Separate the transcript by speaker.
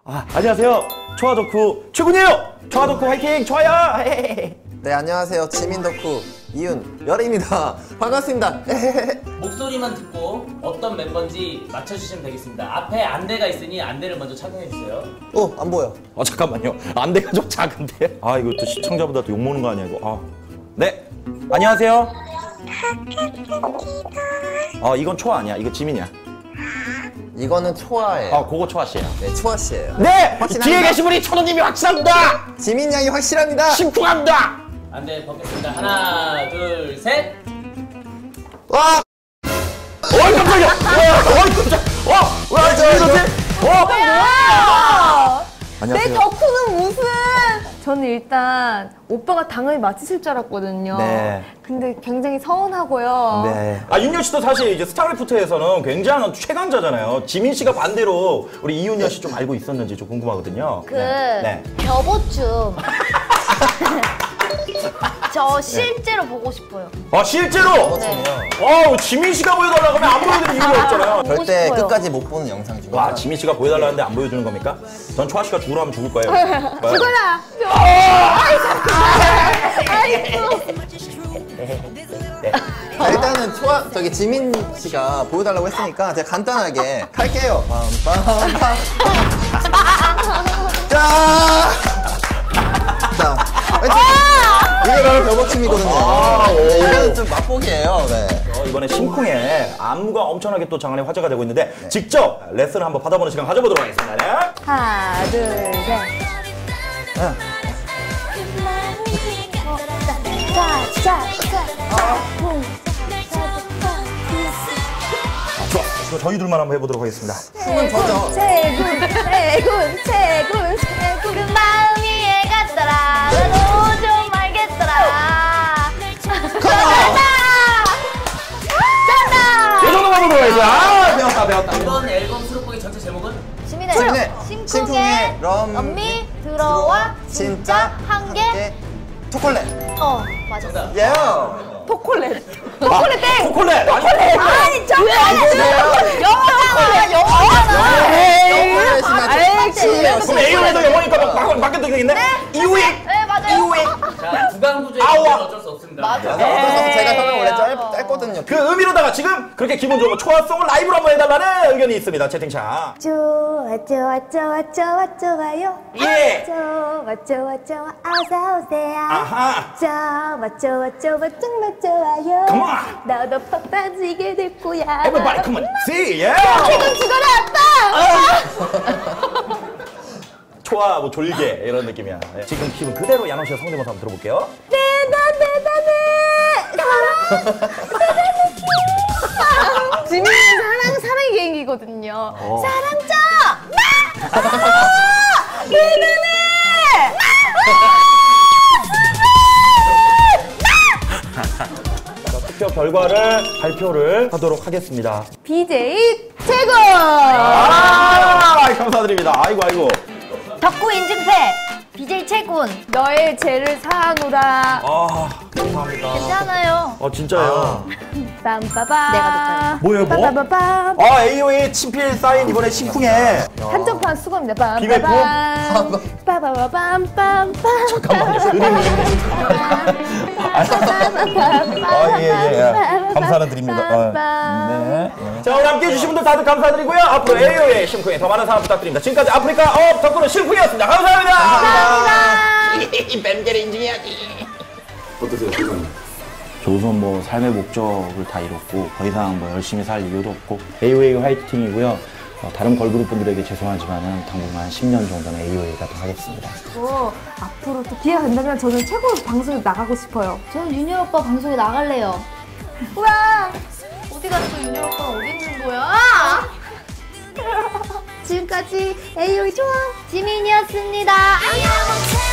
Speaker 1: 안녕하세요. 초아 덕후 최군이에요. 초아 덕후 화이팅! 좋아요!
Speaker 2: 네, 안녕하세요. 지민 덕후 이윤열입니다. 반갑습니다.
Speaker 3: 목소리만 듣고 어떤 멤버인지 맞춰주시면 되겠습니다. 앞에 안대가 있으니 안대를 먼저 착용해주세요.
Speaker 2: 안 보여.
Speaker 1: 잠깐만요. 안대가 좀 작은데? 이거 또 시청자보다 또 욕먹는 거 아니야, 이거. 네. 안녕하세요. 이건 초아 아니야. 이거 지민이야.
Speaker 2: 이거는 초아예요.
Speaker 1: 그거 초아 씨예요.
Speaker 2: 네, 초아 씨예요.
Speaker 1: 네!
Speaker 2: 확실합니다.
Speaker 1: 뒤에 계신 분이 천호님이 확실합니다!
Speaker 2: 지민 양이 확실합니다.
Speaker 1: 심쿵합니다!
Speaker 3: 안대 벗겠습니다. 하나, 둘, 셋!
Speaker 2: 와!
Speaker 1: 깜짝이야! 깜짝! 왜 지민이지?
Speaker 4: 내 덕후는 무슨? 저는 일단 오빠가 당연히 맞히실 줄 알았거든요.
Speaker 1: 네.
Speaker 4: 근데 굉장히 서운하고요.
Speaker 1: 네. 윤열 씨도 사실 이제 스타크래프트에서는 굉장한 최강자잖아요. 지민 씨가 반대로 우리 이윤열 씨 좀 알고 있었는지 좀 궁금하거든요.
Speaker 5: 벼보춤. 저 실제로 보고 싶어요.
Speaker 1: 실제로?
Speaker 5: 네.
Speaker 1: 지민 씨가 보여달라고 하면 안 보여드릴 이유가 없잖아요.
Speaker 2: 절대
Speaker 5: 싶어요.
Speaker 2: 끝까지 못 보는 영상 중에
Speaker 1: 와, 지민 씨가 보여달라는데 안 보여주는 겁니까? 전 초아 씨가 죽으라 하면 죽을 거예요.
Speaker 4: 죽어라!
Speaker 2: 자, 일단은 지민 씨가 보여달라고 했으니까 제가 간단하게 할게요. 빰빰빰. 자, 이게 바로 벼보춤이거든요. 이거는 좀 맛보기예요. 네.
Speaker 1: 이번에 심쿵에 안무가 엄청나게 또 장안의 화제가 되고 있는데 직접 레슨을 한번 받아보는 시간 가져보도록 하겠습니다. 네.
Speaker 4: 하나, 둘, 셋.
Speaker 1: 좋아. 저희들만 한번 해보도록 하겠습니다.
Speaker 2: 춤은 저죠.
Speaker 4: 최군.
Speaker 5: 그 마음이 애같더라. 나도 좀 알겠더라.
Speaker 1: 이 정도만 보도록 하겠습니다. 배웠다.
Speaker 3: 이번 앨범 수록곡의 전체 제목은?
Speaker 5: 시민의
Speaker 2: 심쿵의
Speaker 5: 럼미 들어와 진짜 한개
Speaker 2: 초콜릿.
Speaker 5: 맞아.
Speaker 3: 정답.
Speaker 2: 예.
Speaker 4: 토콜렛.
Speaker 1: 초콜릿!
Speaker 4: 아니,
Speaker 1: 그럼 A로에도 영어니까 바뀌어도 되겠네? 이우익!
Speaker 5: 네, 맞아요.
Speaker 3: 자, 구강구조의
Speaker 1: 아우아.
Speaker 3: 문제는 어쩔 수 없습니다.
Speaker 2: 어쩔 수 없어. 제가 설명 원래 짧거든요.
Speaker 1: 그 의미로다가 지금 그렇게 기분 좋은 초아송을 라이브로 한번 해달라는 의견이 있습니다. 채팅창.
Speaker 4: 좋아요.
Speaker 1: 예!
Speaker 4: 좋아. 어서오세요.
Speaker 1: 아하!
Speaker 4: 좋아. 정말 좋아요.
Speaker 1: Come on!
Speaker 4: 나도 팍 빠지게 될 거야.
Speaker 1: Everybody come on, see, yeah!
Speaker 4: 기분 죽어라, 아빠!
Speaker 1: 초아 뭐 졸개 이런 느낌이야. 네. 지금 기분 그대로 야노 씨의 성대모사 한번 들어볼게요.
Speaker 4: 대단해. 지민이는 사랑의 개인기거든요. 사랑 줘! 대단해!
Speaker 1: 투표 결과를 발표를 하도록 하겠습니다.
Speaker 4: BJ 최고!
Speaker 1: 감사드립니다. 아이고.
Speaker 5: 덕후 인증패 BJ 채군.
Speaker 4: 너의 죄를 사하노라.
Speaker 1: 감사합니다.
Speaker 5: 괜찮아요.
Speaker 1: 진짜예요.
Speaker 4: 빰빠밤.
Speaker 5: 내가
Speaker 1: 뭐예요, 뭐?
Speaker 4: 빠바바밤.
Speaker 1: AOA 친필 사인 이번에 심쿵해.
Speaker 4: 한정판 수고입니다.
Speaker 1: 비밀 품?
Speaker 4: 빠바바밤.
Speaker 1: 잠깐만요. 예. 감사는 드립니다. 네. 자, 오늘 함께 해주신 분들 다들 감사드리고요. 앞으로 AOA 심쿵에 더 많은 사랑 부탁드립니다. 지금까지 아프리카 업 덕후는 심쿵이었습니다. 감사합니다. 뱀게를 인증해야지. 어떠세요, 기분? 저 우선 뭐 삶의 목적을 다 이뤘고 더 이상 뭐 열심히 살 이유도 없고 AOA 화이팅이고요. 다른 걸그룹 분들에게 죄송하지만은 당분간 10년 정도는 AOA가 더 하겠습니다.
Speaker 4: 앞으로 또 기회가 된다면 저는 최고 방송에 나가고 싶어요.
Speaker 5: 저는 윤열 오빠 방송에 나갈래요.
Speaker 4: 우와!
Speaker 5: 어디 갔어? 윤열 오빠 어디 있는 거야?
Speaker 4: 지금까지 AOA 좋아!
Speaker 5: 지민이었습니다. 안녕.